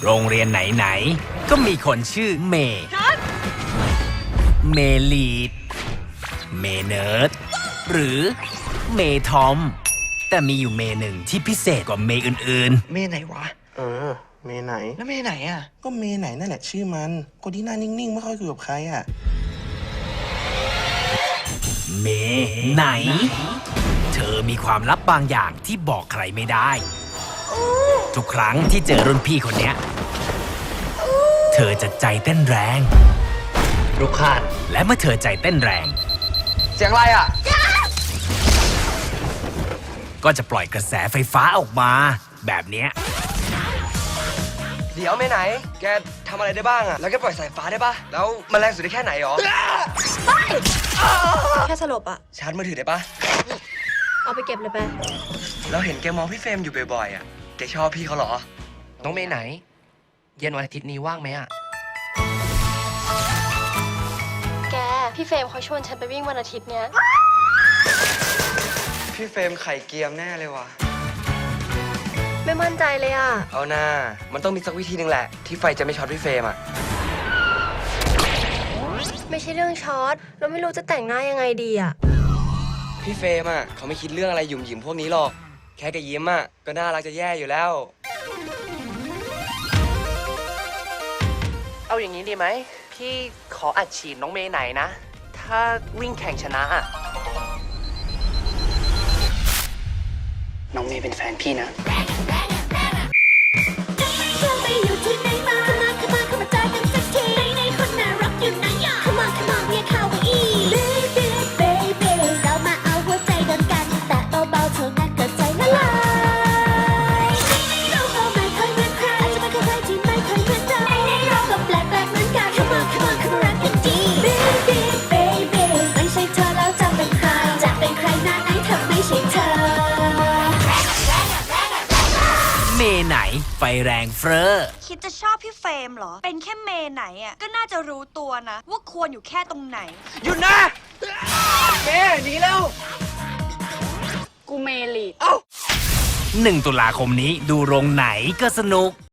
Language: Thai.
โรงเรียนไหนๆก็มีคนชื่อเมย์เมลีดเมเนิร์ดหรือเมทอมแต่มีอยู่เมหนึ่งที่พิเศษกว่าเมอื่นเมไหนวะเมไหนแล้วเมไหนอ่ะก็เมไหนนั่นแหละชื่อมันคนที่หน้านิ่งๆไม่ค่อยคุยกับใครอ่ะๆเมไหน เธอมีความลับบางอย่างที่บอกใครไม่ได้ ทุกครั้งที่เจอรุ่นพี่คนเนี้ยเธอจะใจเต้นแรงรุกขานและเมื่อเธอใจเต้นแรงเสียงอะไรอ่ะก็จะปล่อยกระแสไฟฟ้าออกมา แบบเนี้ยเดี๋ยวเมไหน แกทำอะไรได้บ้างอ่ะ แล้วแกปล่อยสายฟ้าได้ปะแล้วมันแรงสุดได้แค่ไหนหรอแค่สลบอะชาร์จมือถือได้ปะเอาไปเก็บเลยไปเราเห็นแกมองพี่เฟรมอยู่บ่อยๆอ่ะ แกชอบพี่เขาเหรอน้องเมย์ไหน เย็นวันอาทิตย์นี้ว่างไหมอะแก พี่เฟรมเขาชวนฉันไปวิ่งวันอาทิตย์เนี้ยพี่เฟรมไข่เกียมแน่เลยว่ะไม่มั่นใจเลยอะเอาหน้า มันต้องมีสักวิธีหนึ่งแหละ ที่ไฟจะไม่ช็อตพี่เฟรมอ่ะไม่ใช่เรื่องช็อตเราไม่รู้จะแต่งหน้ายังไงดีอะพี่เฟรมอ่ะเขาไม่คิดเรื่องอะไรหยุ่มหยิมพวกนี้หรอก แค่แกยิ้มอ่ะก็น่ารักจะแย่อยู่แล้วเอาอย่างนี้ดีไหม พี่ขออัดฉีดน้องเมย์ไหนนะ ถ้าวิ่งแข่งชนะอะน้องเมย์เป็นแฟนพี่นะเธอไปอยู่ที่ไหนมาเข้ามาเข้ามาเข้ามาเจอกันสักทีไหนคนน่ารักอยู่ไหนอ่ะเข้ามาเข้ามาเรียกเขาว่าอี Baby Baby เรามาเอาหัวใจโดนกันแต่เบาๆเท่านั้นก็ใจละลายเราก็ไม่เคยเหมือนใครอาจจะไม่เคยใครที่ไม่เคยเหมือนเราเราก็แปลกๆเหมือนกันเข้ามาเข้ามาเข้ามารักกันดี Baby Baby ไม่ใช่เธอแล้วจะเป็นใครจะเป็นใครหน้าไหนเธอไม่ใช่เธอเมไหนไฟแรงเฟ้อคิดจะชอบพี่เฟรมเหรอ เป็นแค่เมย์ไหนอ่ะ ก็น่าจะรู้ตัวนะ ว่าควรอยู่แค่ตรงไหนหยุดนะเมหนีแล้วกูเมลี 1 ตุลาคมนี้ดูโรงไหนก็สนุก